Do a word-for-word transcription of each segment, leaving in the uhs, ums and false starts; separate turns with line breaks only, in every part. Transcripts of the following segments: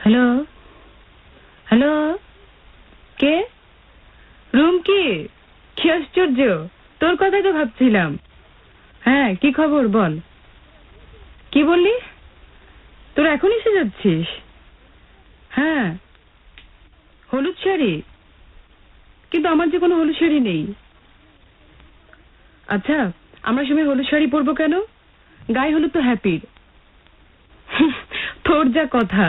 Hello hello, কে? Room কি? কি আশ্চর্য, তোর কথাই তো ভাবছিলাম। হ্যাঁ, কি খবর বল। কি বললি? তোরা এখন এসে যাচ্ছিস? হ্যাঁ, হলুদ শাড়ি? কিন্তু আমার যে কোনো হলুদ শাড়ি নেই। আচ্ছা, আমরা সবাই হলুদ শাড়ি পরবো কেন? গায়ে হলুদ তো হ্যাপির। তোর যা কথা।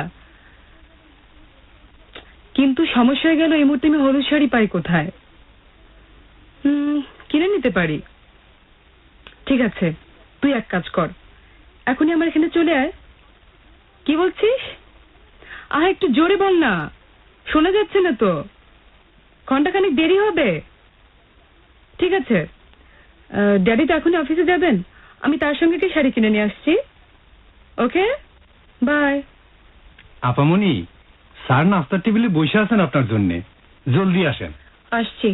কিন্তু সমস্যা হয়ে গেল, এই মুহূর্তে আমি হলুদ শাড়ি পাই কোথায়? হুম, কিনে নিতে পারি। ঠিক আছে, তুই এক কাজ কর, এখনই আমার এখানে চলে আয়। কি বলছিস? আহ, একটু জোরে বল না, শোনা যাচ্ছে না তো। ঘন্টাখানেক দেরি হবে। ঠিক আছে, ড্যাডি তো এখনই অফিসে যাবেন, আমি তার সঙ্গে কি শাড়ি কিনে নিয়ে আসছি। ওকে, বাই।
আপামনি, স্যার নাস্তার টেবিলে বসে আছেন আপনার জন্য, জলদি আসেন।
আসছি।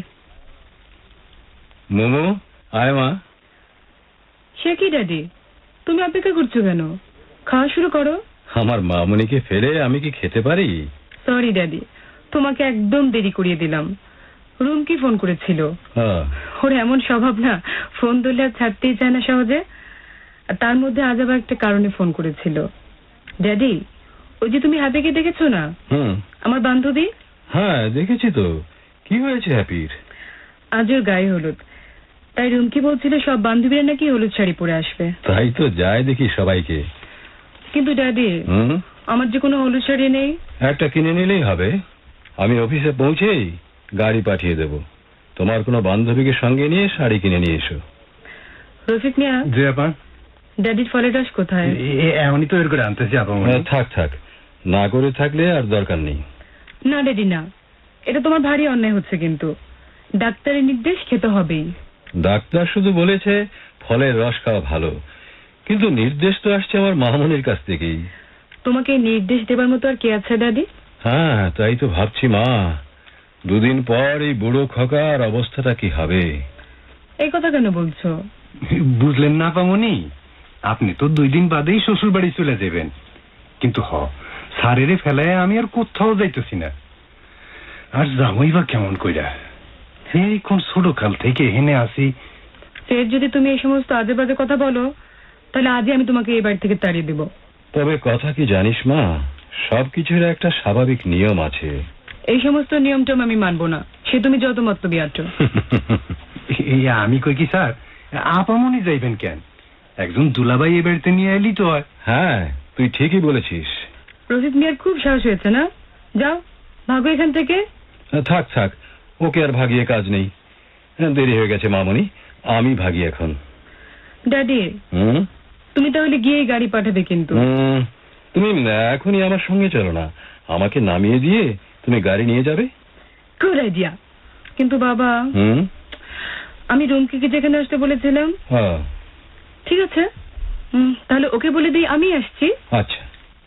মোমো, আয় মা।
সে কি ড্যাডি, তুমি অপেক্ষা করছো কেন? খাওয়া শুরু করো।
আমার মামুনিকে ফেলে আমি কি খেতে পারি?
সরি ড্যাডি, তোমাকে একদম দেরি করিয়ে দিলাম। রুম কি ফোন করেছিল?
হ্যাঁ।
ওর এমন স্বভাব না, ফোন ধরলে আর ছাড়তেই চায় না সহজে। আর তার মধ্যে আজ আবার একটা কারণে ফোন করেছিল। ড্যাডি, ওই যে তুমি হ্যাপিকে দেখেছো না,
হুম,
আমার বান্ধবী?
হ্যাঁ দেখেছি তো। কি হয়েছে হ্যাপির?
আজ ওর গায়ে হলুদ, তাই রুমকি বলছিল সব বান্ধবীরা নাকি হলুদ শাড়ি পরে আসবে।
তাই তো যায় দেখি সবাইকে।
কিন্তু ড্যাডি,
হুম,
আমার যে কোনো হলুদ শাড়ি নেই।
একটা কিনে নিলেই হবে। আমি অফিসে পৌঁছেই গাড়ি পাঠিয়ে দেব। তোমার কোনো বান্ধবীকে সঙ্গে নিয়ে শাড়ি কিনে নিয়ে এসো।
রফিক মিয়া,
জি আপা।
ড্যাডির ফলের রস কোথায়?
এমনই তো এর করে আনতেছি আপামনি।
হ্যাঁ, থাক থাক, না করে থাকলে আর দরকার নেই।
না ড্যাডি না, এটা তোমার ভারী অন্যায় হচ্ছে। কিন্তু ডাক্তারের নির্দেশ খেতে হবেই।
ডাক্তার শুধু বলেছে ফলের রস খাওয়া ভালো, কিন্তু নির্দেশ তো আসছে আমার মামুনির কাছ থেকেই।
তোমাকে নির্দেশ দেবার মতো আর কে আছে ড্যাডি?
হ্যাঁ, তাই তো ভাবছি মা, দুদিন পর এই বুড়ো খোকার অবস্থাটা কি হবে।
এই কথা কেন বলছো?
বুঝলেন না আপামনি, আপনি তো দুই দিন বাদেই শ্বশুর বাড়ি চলে যাবেন। কিন্তু হ, স্যারেরে ফেলায় আমি আর কোথাও যাইতেছি না। আর যাবই বা কেমন কইরা, এই কোন ছোট কাল থেকে হেনে আসি।
ফের যদি তুমি এই সমস্ত আজে বাজে কথা বলো, তাহলে আজই আমি তোমাকে এই বাড়ি থেকে তাড়িয়ে দেব।
তবে কথা কি জানিস মা, সবকিছুর একটা স্বাভাবিক নিয়ম আছে।
এই সমস্ত নিয়মটম আমি মানবো না, সে তুমি যত মতলবি আছো।
এই আমি কই কি স্যার, আপামনি যাইবেন কেন? একজন দুলাভাই এ বাড়িতে নিয়ে এলি তো হয়।
হ্যাঁ, তুই ঠিকই বলেছিস।
রফিক মিয়ার খুব সাহস হয়েছে না? যাও, ভাগো এখান থেকে।
থাক থাক, ওকে আর ভাগিয়ে কাজ নেই। দেরি হয়ে গেছে মামুনি, আমি ভাগি এখন।
ড্যাডি,
হুম,
তুমি তাহলে গিয়ে গাড়ি পাঠাবে কিন্তু।
হুম, তুমি এখনই আমার সঙ্গে চলো না, আমাকে নামিয়ে দিয়ে তুমি গাড়ি নিয়ে যাবে।
Good idea. কিন্তু বাবা,
হুম,
আমি রুমকিকে যেখানে আসতে বলেছিলাম।
হ্যাঁ,
ঠিক আছে, হুম, তাহলে ওকে বলে দিই আমি আসছি।
আচ্ছা।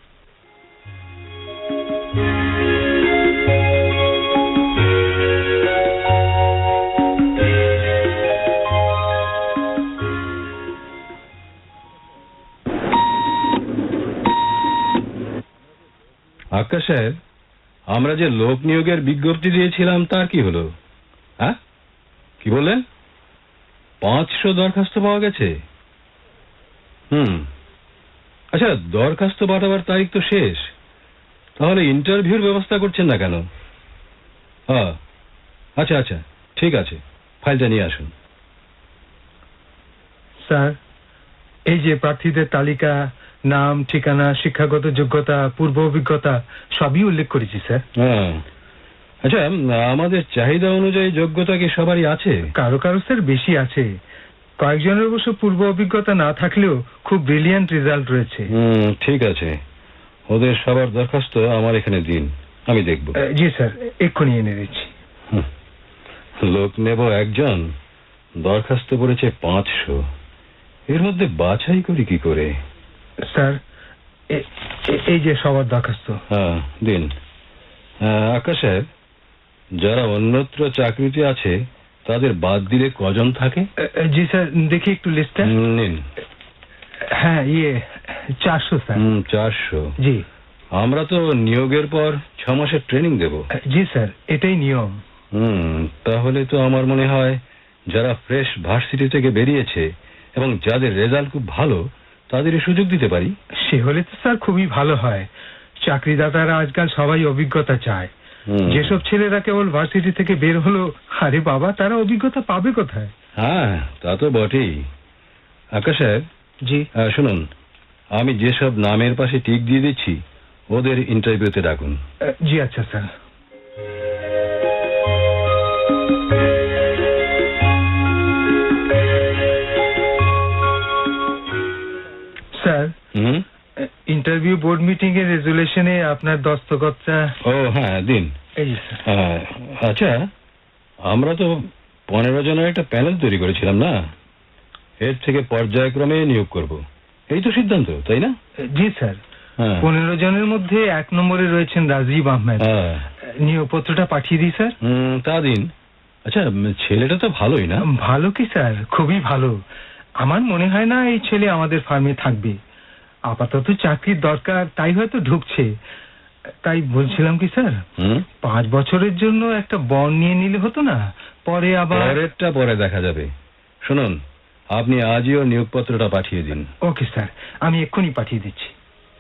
আকাশ সাহেব, আমরা যে লোক নিয়োগের বিজ্ঞপ্তি দিয়েছিলাম তার কি হলো? হ্যাঁ, কি বললেন? পাঁচশো দরখাস্ত পাওয়া গেছে? হুম, আচ্ছা, দরখাস্ত পাঠাবার তারিখ তো শেষ, তাহলে ইন্টারভিউর ব্যবস্থা করছেন না কেন? হ্যাঁ, আচ্ছা আচ্ছা, ঠিক আছে, ফাইলটা নিয়ে আসুন।
স্যার, এই যে প্রার্থীদের তালিকা, নাম, ঠিকানা, শিক্ষাগত যোগ্যতা, পূর্ব অভিজ্ঞতা সবই উল্লেখ করেছি স্যার।
হ্যাঁ, আচ্ছা, আমাদের চাহিদা অনুযায়ী যোগ্যতা কি সবারই আছে?
কারো কারো স্যার বেশি আছে, কয়েকজনের অবশ্য পূর্ব অভিজ্ঞতা না থাকলেও খুব ব্রিলিয়ান্ট রেজাল্ট রয়েছে।
হুম, ঠিক আছে, ওদের সবার দরখাস্ত আমার এখানে দিন, আমি দেখব।
জি স্যার, এক্ষুনি এনে দিচ্ছি।
লোক নেব একজন, দরখাস্ত পড়েছে পাঁচশো, এর মধ্যে বাছাই করি কি করে?
স্যার, এই যে সবার দরখাস্ত।
হ্যাঁ, দিন। আকাশ সাহেব, যারা অন্যত্র চাকরিতে আছে তাদের বাদ দিলে কজন থাকে?
জি স্যার, দেখি একটু লিস্টটা।
নিন।
হ্যাঁ, ইয়ে চারশো স্যার।
হুম, চারশো।
জি।
আমরা তো নিয়োগের পর ছ মাসের ট্রেনিং দেব।
জি স্যার, এটাই নিয়ম।
হুম, তাহলে তো আমার মনে হয় যারা ফ্রেশ ভার্সিটি থেকে বেরিয়েছে এবং যাদের রেজাল্ট খুব ভালো তাদের সুযোগ দিতে পারি।
সে হলে তো স্যার খুবই ভালো হয়। চাকরিদাতারা আজকাল সবাই অভিজ্ঞতা চায়।
হুম।
যেসব ছেলেরা কেবল ভার্সিটি থেকে বের হলো, আরে বাবা, তারা অভিজ্ঞতা পাবে কোথায়?
হ্যাঁ, তা তো বটেই। আকাশ সাহেব,
জি।
আহ, শুনুন, আমি যেসব নামের পাশে টিক দিয়ে দিচ্ছি ওদের ইন্টারভিউতে ডাকুন।
আহ, জি আচ্ছা স্যার। স্যার,
হুম।
ইন্টারভিউ বোর্ড মিটিং এর রেজুলেশনে আপনার দস্তখতটা।
ও হ্যাঁ, দিন।
এই যে স্যার।
আহ, আচ্ছা, আমরা তো পনেরো জনের একটা প্যানেল তৈরি করেছিলাম না? এর থেকে পর্যায়ক্রমে নিয়োগ করব, এই তো সিদ্ধান্ত, তাই না?
জি স্যার।
হ্যাঁ।
পনেরো জনের মধ্যে এক নম্বরে রয়েছেন রাজীব আহমেদ।
হ্যাঁ।
নিয়োগপত্রটা পাঠিয়ে দিই স্যার।
হুম, তা দিন। আচ্ছা, ছেলেটা তো ভালোই না?
ভালো কি স্যার, খুবই ভালো। আমার মনে হয় না এই ছেলে আমাদের ফার্মে থাকবে। আপাতত চাকরির দরকার, তাই হয়তো ঢুকছে। তাই বলছিলাম কি স্যার,
হুম।
পাঁচ বছরের জন্য একটা বন্ড নিয়ে নিলে হতো না? পরে আবার।
পরেরটা পরে দেখা যাবে। শুনুন, আপনি আজই ওর নিয়োগপত্রটা পাঠিয়ে দিন।
ওকে স্যার, আমি এক্ষুনি পাঠিয়ে দিচ্ছি।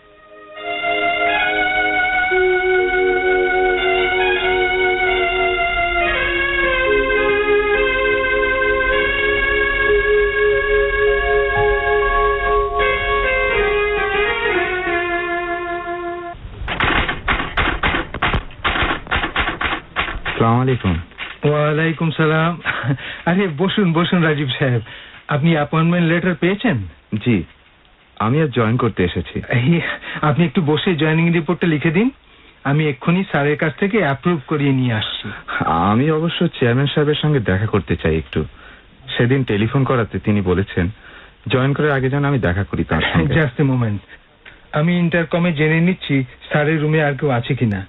আসসালামু আলাইকুম।
ওয়ালাইকুম সালাম। আরে বসুন বসুন রাজীব সাহেব, আপনি অ্যাপয়েন্টমেন্ট লেটার পেয়েছেন?
জি, আমি আজ জয়েন করতে এসেছি।
এই, আপনি একটু বসে জয়েনিং রিপোর্টটা লিখে দিন, আমি এক্ষুনি স্যারের কাছ থেকে অ্যাপ্রুভ করিয়ে নিয়ে আসছি।
আমি অবশ্য চেয়ারম্যান সাহেবের সঙ্গে দেখা করতে চাই একটু। সেদিন টেলিফোন করাতে তিনি বলেছেন জয়েন করার আগে যেন আমি দেখা করি তার সঙ্গে।
জাস্ট এ মোমেন্ট, আমি ইন্টারকমে জেনে নিচ্ছি স্যারের রুমে আর কেউ আছে কিনা।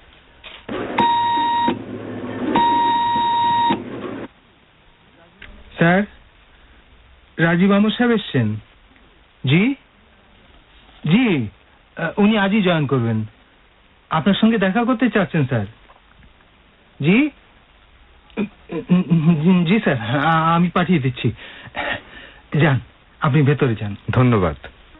স্যার, রাজীব আহমদ সাহেব এসছেন? জি জি, আহ, উনি আজই জয়েন করবেন। আপনার সঙ্গে দেখা করতে চাচ্ছেন স্যার? জি জি স্যার, আ- আমি পাঠিয়ে দিচ্ছি। যান, আপনি ভেতরে যান।
ধন্যবাদ।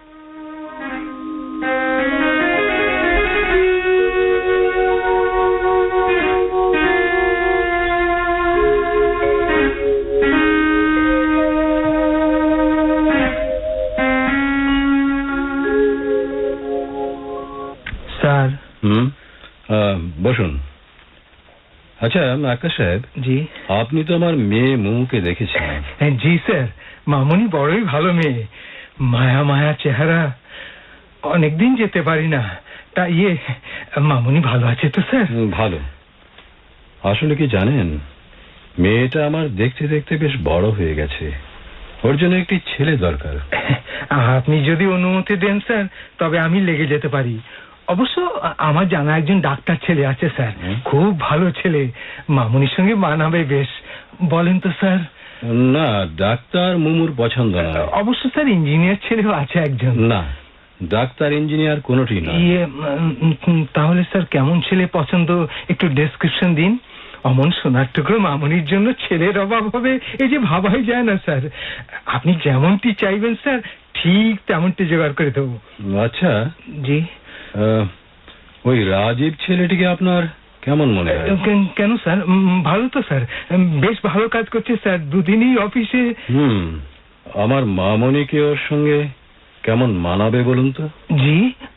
স্যার।
হুম, আহ, বসুন। আচ্ছা আকাশ সাহেব,
জি।
আপনি তো আমার মেয়ে মুমুকে দেখেছেন।
জি স্যার, মামুনি বড়ই ভালো মেয়ে, মায়া মায়া চেহারা। অনেকদিন যেতে পারি না, তা ইয়ে, মামুনি ভালো আছে তো স্যার?
হুম, ভালো। আসলে কি জানেন, মেয়েটা আমার দেখতে দেখতে বেশ বড় হয়ে গেছে। ওর জন্য একটি ছেলে দরকার।
আপনি যদি অনুমতি দেন স্যার, তবে আমি লেগে যেতে পারি। অবশ্য আমার জানা একজন ডাক্তার ছেলে আছে স্যার, খুব ভালো ছেলে, মামুনির সঙ্গে মানাবে বেশ। বলেন তো স্যার?
না, ডাক্তার মুমুর পছন্দ না।
অবশ্য স্যার ইঞ্জিনিয়ার ছেলেও আছে একজন।
না, ডাক্তার ইঞ্জিনিয়ার কোনোটি না।
ইয়ে, উম, তাহলে স্যার কেমন ছেলে পছন্দ, একটু ডেসক্রিপশন দিন। অমন সোনার টুকরো মামুনির জন্য ছেলের অভাব হবে এই যে ভাবাই যায় না স্যার। আপনি যেমনটি চাইবেন স্যার, ঠিক তেমনটি জোগাড় করে দেবো।
আচ্ছা,
জি।
আহ, ওই রাজীব ছেলেটিকে আপনার কেমন মনে হয়?
কেন- কেন স্যার, উম, ভালো তো স্যার, উম, বেশ ভালো কাজ করছে স্যার, দুদিনই অফিসে।
হুম, আমার মামনিকে ওর সঙ্গে কেমন মানাবে বলুন তো?
জি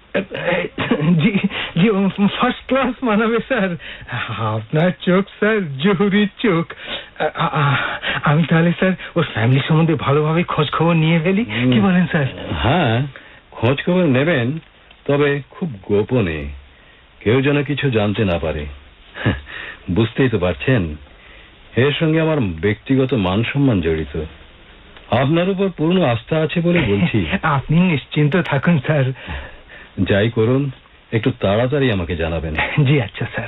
জি জি, ফার্স্ট ক্লাস মানাবে স্যার। আপনার চোখ স্যার জহুরির চোখ। আ- আ- আমি তাহলে স্যার ওর ফ্যামিলি সম্বন্ধে ভালোভাবে খোঁজ খবর নিয়ে ফেলি, কি বলেন স্যার?
হ্যাঁ, খোঁজ খবর নেবেন, তবে খুব গোপনে, কেউ যেন কিছু জানতে না পারে। বুঝতেই তো পারছেন, এর সঙ্গে আমার ব্যক্তিগত মান সম্মান জড়িত। আপনার উপর পূর্ণ আস্থা আছে বলে বলছি।
আপনি নিশ্চিন্ত থাকুন স্যার।
যাই করুন, একটু তাড়াতাড়ি আমাকে জানাবেন।
জি আচ্ছা স্যার।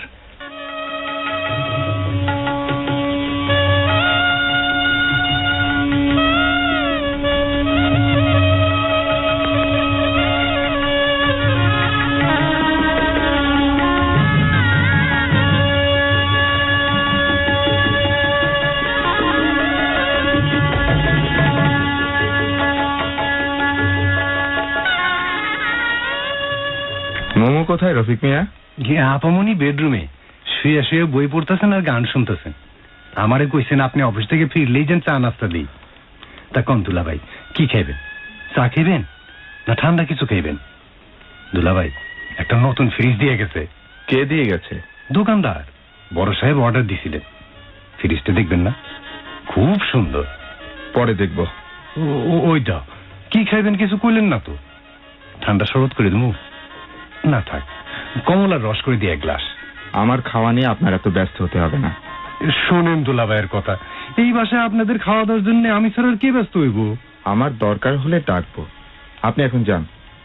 কোথায় রফিক মিয়া?
আপামনি বেডরুমে শুয়ে শুয়ে বই পড়তেছেন আর গান শুনতেছেন। আমারে কইছেন আপনি অফিস থেকে ফিরলেই যেন চা নাস্তা দিই। তা কন দুলাভাই, কি খাইবেন? চা খাইবেন না ঠান্ডা কিছু খাইবেন? দুলাভাই, একটা নতুন ফ্রিজ দিয়ে গেছে।
কে দিয়ে গেছে?
দোকানদার। বড় সাহেব অর্ডার দিছিলেন। ফ্রিজটা দেখবেন না? খুব সুন্দর।
পরে দেখব।
ওইটা কি খাইবেন কিছু কইলেন না তো? ঠান্ডা শরবত করে দেবো? না থাক, কমলার রস করে দিয়ে এক গ্লাস।
আমার খাওয়া নিয়ে আপনার এত ব্যস্ত হতে হবে না।
শোনেন দুলাভাইয়ের কথা, এই বাসায় আপনাদের খাওয়া দাওয়ার জন্য আমি ছাড়া আর কে ব্যস্ত হইব?
আমার দরকার হলে ডাকবো, আপনি এখন যান।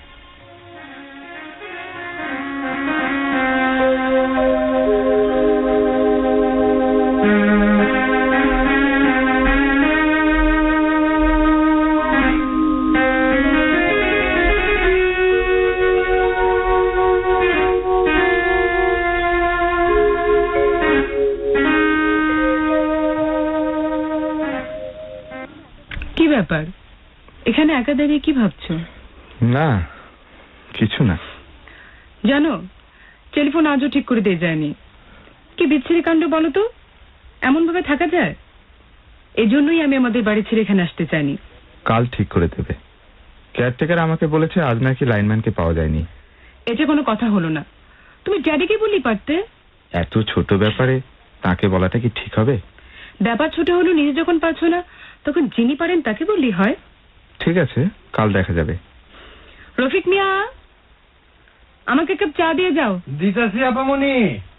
কি ব্যাপার, এখানে একা দাঁড়িয়ে কি ভাবছো?
না কিছু না।
জানো, টেলিফোন আজও ঠিক করে দিয়ে যায়নি। কি বিচ্ছিরি কাণ্ড বলো তো, এমন ভাবে থাকা যায়? এজন্যই আমি আমাদের বাড়ি ছেড়ে এখানে আসতে চাইনি।
কাল ঠিক করে দেবে। কেয়ারটেকার আমাকে বলেছে আজ নাকি লাইনম্যানকে পাওয়া যায়নি।
এটা কোনো কথা হলো না। তুমি ড্যাডিকে বললেই পারতে।
এত ছোট ব্যাপারে তাকে বলাটা কি ঠিক হবে?
ব্যাপার ছোট হলো, নিজে যখন পারছো না তখন যিনি পারেন তাকে বললেই হয়।
ঠিক আছে, কাল দেখা যাবে।
রফিক মিয়া, আমাকে এক কাপ চা দিয়ে যাও।
দিতাছি আপামনি।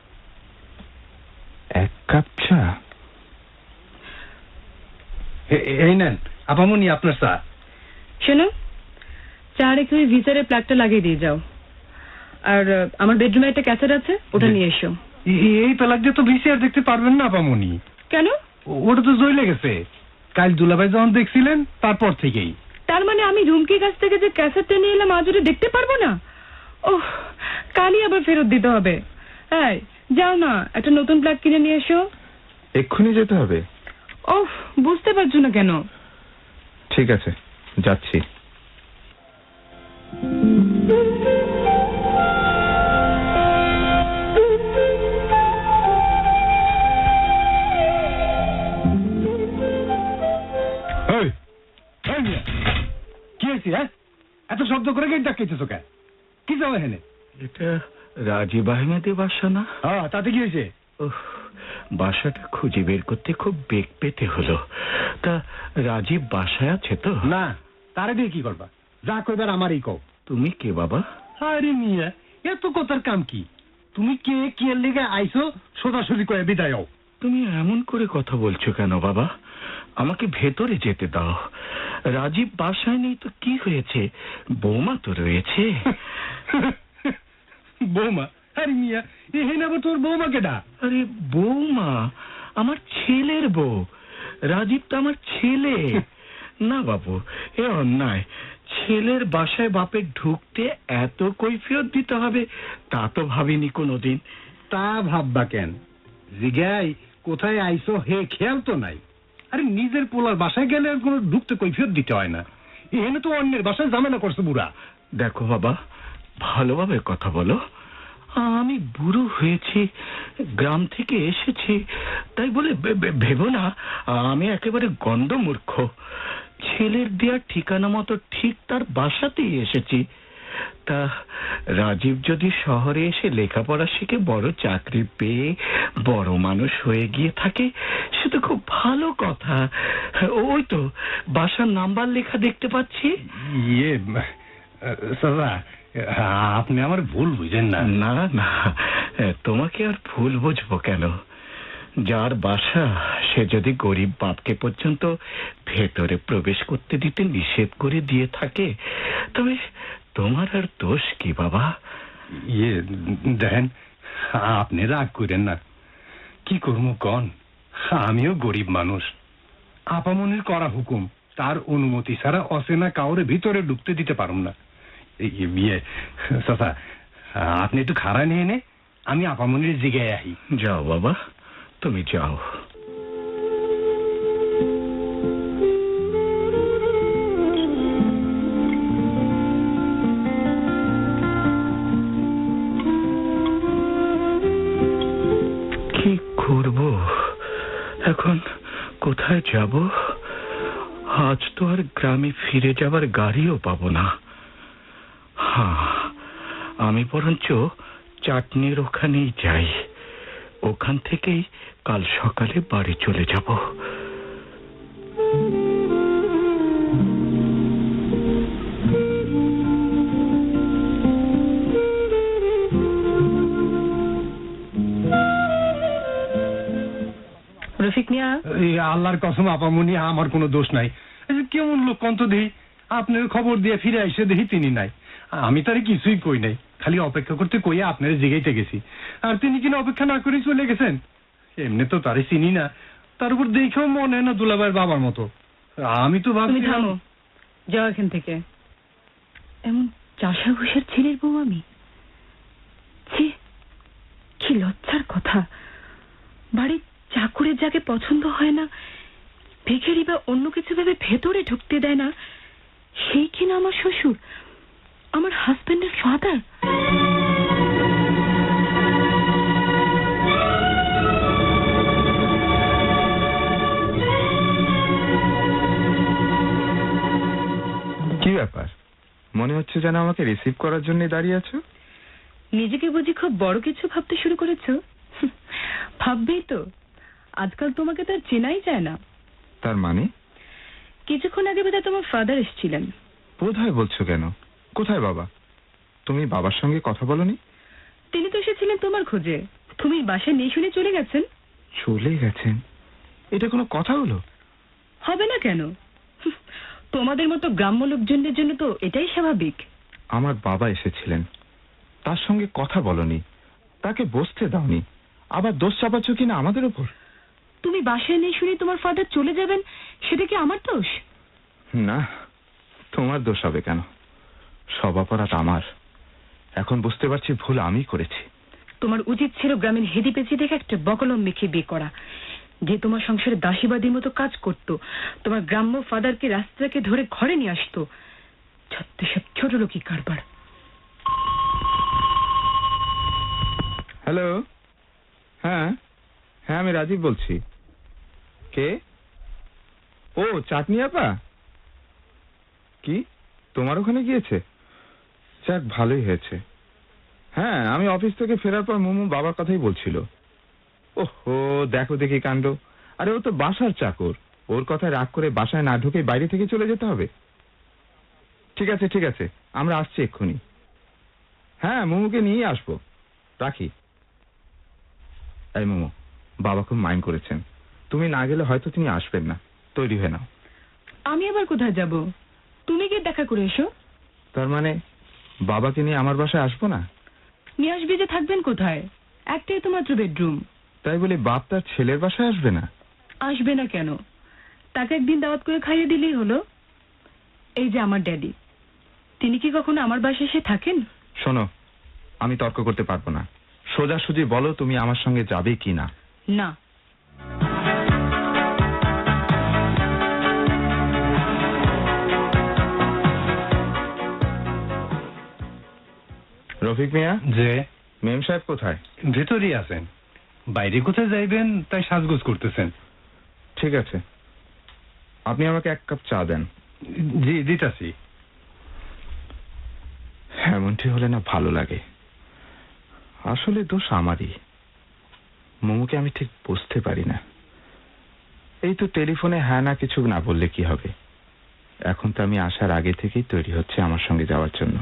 এক কাপ চা?
এই নেন আপামনি আপনার চা।
শোনো, চা রেখে ওই ভিসারের প্লাগটা লাগিয়ে দিয়ে যাও। আর আহ, আমার বেডরুমে একটা ক্যাসেট আছে, ওটা নিয়ে এসো।
এই প্লাগ দিয়ে তো ভিসিআর দেখতে পারবেন না আপামনি।
কেন?
ওটা তো জ্বলে গেছে কাল দুলাভাই যখন দেখছিলেন তারপর থেকেই।
তার মানে আমি রুমকির কাছ থেকে যে ক্যাসেটটা নিয়ে এলাম আজ ওটা দেখতে পারবো না? ওহ, কালই আবার ফেরত দিতে হবে। এই যাও না, একটা নতুন প্লাগ কিনে নিয়ে এসো।
এক্ষুনি যেতে হবে?
ওহ, বুঝতে পারছো না কেন?
ঠিক আছে, যাচ্ছি।
কি হয়েছে? হ্যাঁ, এত শব্দ করে গেট ডাকাইতেছো কেন? কি যাও এখানে?
এটা রাজীব আহমেদের বাসা না?
হ্যাঁ, তাতে কি হয়েছে?
উফ, বাসাটা খুঁজে বের করতে খুব বেগ পেতে হলো। তা রাজীব বাসায় আছে তো?
না, তারে দিয়ে কি করবা? যা কইবার আমারই কও।
তুমি কে বাবা?
আরে মিয়া, এত কথার কাম কি? তুমি কে কি এর লিগে আইছো সোজাসুজি কয়ে বিদায় হও।
তুমি এমন করে কথা বলছো কেন বাবা? আমাকে ভেতরে যেতে দাও। রাজীব বাসায় নেই তো কি হয়েছে? বৌমা তো রয়েছে।
বৌমা? আরে মিয়া, এখানে আবার তোর বৌমা কেডা?
আরে বৌমা আমার ছেলের বউ। রাজীব তো আমার ছেলে। না বাবু, এ অন্যায়। ছেলের বাসায় বাপের ঢুকতে এত কৈফিয়ত দিতে হবে তা তো ভাবিনি কোনোদিন।
তা ভাববা কেন? জিগাই কোথায় আইছো হে খেয়াল তো নাই। আরে নিজের পোলার বাসায় গেলে আর কোনো ঢুকতে কৈফিয়ত দিতে হয় না। এখানে তো অন্যের বাসায় ঝামেলা করছে বুড়া।
দেখো বাবা, ভালোভাবে কথা বলো। আমি বুড়ো হয়েছি, গ্রাম থেকে এসেছি, তাই বলে ভেবো না আমি একেবারে গন্ডমূর্খ। ছেলের দেওয়ার ঠিকানা মতো ঠিক তার বাসাতেই এসেছি। তা রাজীব যদি শহরে এসে লেখাপড়া শিখে বড় চাকরি পেয়ে বড় মানুষ হয়ে গিয়ে থাকে সে তো খুব ভালো কথা। ওই তো বাসার নাম্বার লেখা দেখতে পাচ্ছি।
ইয়ে সাদা, আপনি আমার ভুল বুঝেন না।
না না, তোমাকে আর ভুল বুঝবো কেন? যার বাসা সে যদি গরিব বাপকে পর্যন্ত ভেতরে প্রবেশ করতে দিতে নিষেধ করে দিয়ে থাকে তবে তোমার আর দোষ কি বাবা?
ইয়ে দেখেন, আপনি রাগ করেন না। কি করবো কন, আমিও গরিব মানুষ। আপামনির করা হুকুম, তার অনুমতি ছাড়া অচেনা কাউরে ভিতরে ঢুকতে দিতে পারুম না। ইয়ে চাচা, আপনি একটু খাড়া নিয়ে নে, আমি আপামনির জিগায় আহি।
যাও বাবা, তুমি যাও। যাব? আজ তো আর গ্রামে ফিরে যাবার গাড়িও পাবো না। হ্যাঁ, আমি বরঞ্চ চাটনির ওখানেই যাই, ওখান থেকেই কাল সকালে বাড়ি চলে যাব।
রফিক মিয়া,
এই আল্লাহর কসম আপামনি, আমার কোনো দোষ নাই। এই যে কেমন লোক কন্ত দেহি, আপনার খবর দিয়ে ফিরে এসে দেখি তিনি নাই। আমি তারে কিছুই কই নাই, খালি অপেক্ষা করতে কইয়া আপনারে জিগাইতে গেছি, আর তিনি কিনা অপেক্ষা না করে চলে গেছেন। এমনি তো তারে চিনি না, তার উপর দেখেও মনে হয় না দুলাভাইয়ের বাবার মতো। আমি তো
তুমি
ভাবছি
থামো, যাও এখান থেকে। এমন চাষা ঘুষের ছেলের বউ আমি? ছি, কি লজ্জার কথা। বাড়ির চাকুরের যাকে পছন্দ হয় না, ভিখারি বা অন্য কিছু ভেবে ভেতরে ঢুকতে দেয় না, সেই কিনা আমার শ্বশুর, আমার হাজবেন্ডের ফাদার।
কি ব্যাপার, মনে হচ্ছে যেন আমাকে রিসিভ করার জন্য দাঁড়িয়ে আছো?
নিজেকে বুঝি খুব বড় কিছু ভাবতে শুরু করেছো? ভাববেই তো, আজকাল তোমাকে তো আর চেনাই যায় না।
তার মানে?
কিছুক্ষণ আগে বোধহয় তোমার ফাদার এসেছিলেন।
বোধহয় বলছো কেন? কোথায় বাবা? তুমি বাবার সঙ্গে কথা বলনি?
তিনি তো এসেছিলেন তোমার খোঁজে, তুমি বাসায় নেই শুনে চলে গেছেন।
চলে গেছেন? এটা কোনো কথা হলো?
হবে না কেন? তোমাদের মতো গ্রাম্য লোকজনদের জন্য তো এটাই স্বাভাবিক।
আমার বাবা এসেছিলেন, তার সঙ্গে কথা বলনি, তাকে বসতে দাওনি, আবার দোষ চাপাচ্ছ কিনা আমাদের উপর?
তুমি বাসায় নেই শুনে তোমার ফাদার চলে যাবেন, সেটা কি আমার দোষ?
না, তোমার দোষ হবে কেন? সব অপরাধ আমার। এখন বুঝতে পারছি ভুল আমি করেছি।
তোমার উচিত ছিল গ্রামীণ হেদি পেঁচি দেখে একটা বকলম মেখে বিয়ে করা, যে তোমার সংসারে দাসীবাদীর মতো কাজ করত, তোমার গ্রাম্য ফাদারকে রাস্তাকে ধরে ঘরে নিয়ে আসতো। সব ছোট লোকই কারবার।
হ্যালো, হ্যাঁ হ্যাঁ আমি রাজীব বলছি। কে? ও চাটনি আপা, কি তোমার ওখানে গিয়েছে? যাক, ভালোই হয়েছে। হ্যাঁ, আমি অফিস থেকে ফেরার পর মোমো বাবার কথাই বলছিল। ওহো, দেখো দেখি কাণ্ড। আরে ও তো বাসার চাকর, ওর কথায় রাগ করে বাসায় না ঢুকে বাইরে থেকে চলে যেতে হবে? ঠিক আছে ঠিক আছে, আমরা আসছি এক্ষুনি। হ্যাঁ, মোমোকে নিয়ে আসবো, রাখি। এই মোমো, বাবা খুব মাইন্ড করেছেন, তুমি না গেলে হয়তো তিনি আসবেন না, তৈরি হয়ে নাও।
আমি আবার কোথায় যাব? তুমি গিয়ে দেখা করে এসো।
তার মানে বাবাকে নিয়ে আমার বাসায় আসবো না?
নিয়ে আসবে যে, থাকবেন কোথায়? একটাই তো মাত্র বেডরুম।
তাই বলে বাপ তার ছেলের বাসায় আসবে না?
আসবে না কেন? তাকে একদিন দাওয়াত করে খাইয়ে দিলেই হলো। এই যে আমার ড্যাডি, তিনি কি কখনো আমার বাসায় এসে থাকেন?
শোনো, আমি তর্ক করতে পারবো না, সোজাসুজি বলো তুমি আমার সঙ্গে যাবে কি না।
না।
রফিক মিয়া,
যে
মেম সাহেব কোথায়?
ভেতরই আছেন। বাইরে কোথায় যাইবেন তাই সাজগোজ করতেছেন।
ঠিক আছে, আপনি আমাকে এক কাপ চা দেন।
জি দিতাছি।
এমনটি হলে না ভালো লাগে। আসলে দোষ আমারই। মোমোকে আমি ঠিক বুঝতে পারি না। এই তো টেলিফোনে হ্যাঁ না কিছু না বললে কি হবে। এখন তো আমি আসার আগে থেকেই তৈরি হচ্ছে আমার সঙ্গে যাওয়ার জন্য।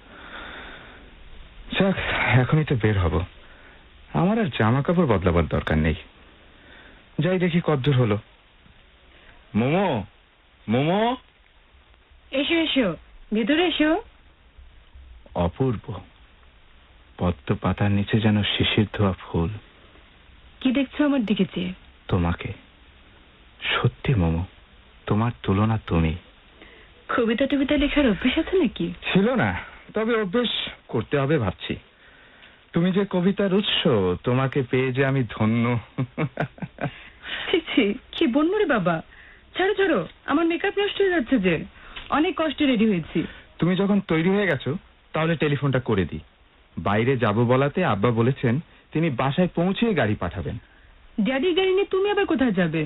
যাক, এখনই তো বের হব, আমার আর জামা কাপড় বদলাবার দরকার নেই। যাই দেখি কতদূর হলো। মোমো, মোমো,
এসো এসো, ভেতরে এসো।
অপূর্ব, পদ্ম পাতার নিচে যেন শিশির ধোয়া ফুল।
কি দেখছো আমার দিকে চেয়ে?
তোমাকে। সত্যি মোমো, তোমার তুলনা তুমি।
কবিতা টবিতা লেখার অভ্যেস আছে নাকি?
ছিল না, তবে অভ্যেস করতে হবে ভাবছি। তুমি যে কবিতার উৎস, তোমাকে পেয়ে যে আমি ধন্য।
ছি ছি, কি বলবো রে বাবা। ছাড়ো ছাড়ো, আমার মেকআপ নষ্ট হয়ে যাচ্ছে যে। অনেক কষ্টে রেডি হয়েছি।
তুমি যখন তৈরি হয়ে গেছো তাহলে টেলিফোনটা করে দিই। বাইরে যাব বলাতে আব্বা বলেছেন তিনি বাসায় পৌঁছে গাড়ি পাঠাবেন।
ড্যাডির গাড়ি নিয়ে তুমি আবার কোথায় যাবে?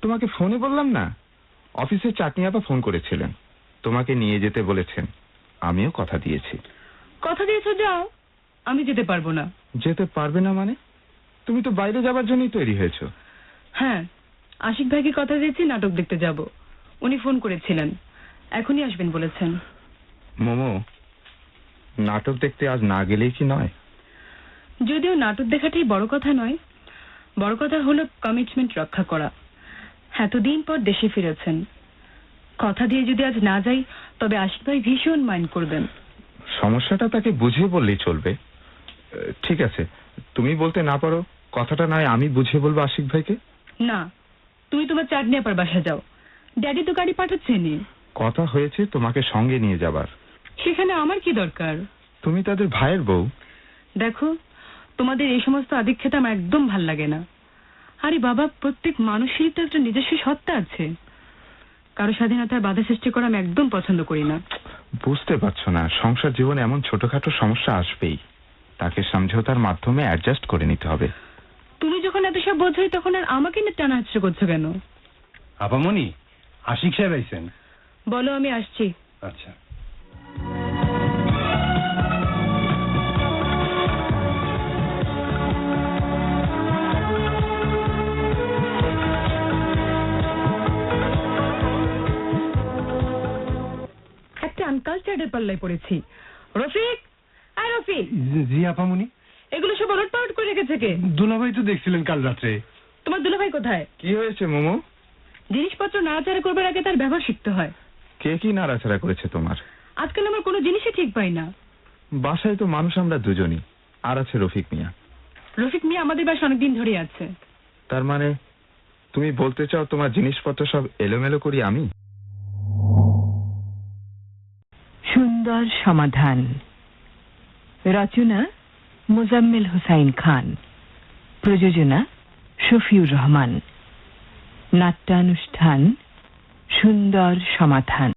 তোমাকে ফোনে বললাম না, অফিসে চাটনি আপা ফোন করেছিলেন, তোমাকে নিয়ে যেতে বলেছেন। আমিও কথা দিয়েছি।
কথা দিয়েছো, যাও। আমি যেতে পারবো না।
যেতে পারবে না মানে? তুমি তো বাইরে যাবার জন্যই তৈরি হয়েছো।
হ্যাঁ, আশিক ভাইকে কথা দিয়েছি নাটক দেখতে যাব। উনি ফোন করেছিলেন, এখনই আসবেন বলেছেন।
মোমো, নাটক দেখতে আজ না গেলেই কি নয়?
যদিও নাটক দেখাটাই বড় কথা নয়, বড় কথা হলো কমিটমেন্ট রক্ষা করা। এতদিন পর দেশে ফিরেছেন, কথা দিয়ে যদি আজ না যাই তবে আশিক ভাই ভীষণ মাইন্ড করবেন।
সমস্যাটা তাকে বুঝিয়ে বললেই চলবে। আহ, ঠিক আছে, তুমি বলতে না পারো, কথাটা নয় আমি বুঝিয়ে বলবো আশিক ভাইকে।
না, তুমি তোমার চাটনি আপার বাসা যাও, ড্যাডি তো গাড়ি পাঠাচ্ছেনি।
কথা হয়েছে তোমাকে সঙ্গে নিয়ে যাবার।
সেখানে আমার কি দরকার?
তুমি তাদের ভাইয়ের বউ।
দেখো, তোমাদের এই সমস্ত আদিক্ষেতা আমার একদম ভাল লাগে না। আরে বাবা, প্রত্যেক মানুষেরই তো একটা নিজস্ব সত্তা আছে। কারো স্বাধীনতার বাধা সৃষ্টি করা আমি একদম পছন্দ করি না।
বুঝতে পারছো না, সংসার জীবনে এমন ছোটখাটো সমস্যা আসবেই, তাকে সমঝোতার মাধ্যমে অ্যাডজাস্ট করে নিতে হবে।
তুমি যখন এত সব বোঝোই তখন আর আমাকে না টানা হাসছে করছো কেন?
আপামনি, আশিক সাহেব আইছেন।
বলো, আমি আসছি।
আচ্ছা।
একটা আনকালচার্ডের পাল্লায় পড়েছি। রফিক, আয় রফিক,
জি- জি আপামনি।
এগুলো সব ওলট পালট করে রেখেছে কে?
দুলাভাই তো দেখছিলেন কাল রাত্রে।
তোমার দুলাভাই কোথায়?
কি হয়েছে মোমো?
জিনিসপত্র নাড়াচাড়া করবার আগে তার ব্যবহার শিখতে হয়।
কে কি নাড়াচাড়া করেছে তোমার?
আজকাল আমার কোনো জিনিসই ঠিক পাই না।
বাসায় তো মানুষ আমরা দুজনই, আর আছে রফিক মিয়া।
রফিক মিয়া আমাদের বাসা অনেকদিন ধরে আছে।
তার মানে তুমি বলতে চাও তোমার জিনিসপত্র সব এলোমেলো করি আমি?
সুন্দর সমাধান। রচনা মোজাম্মেল হোসাইন খান, প্রযোজনা শফিউর রহমান, নাট্যানুষ্ঠান সুন্দর সমাধান।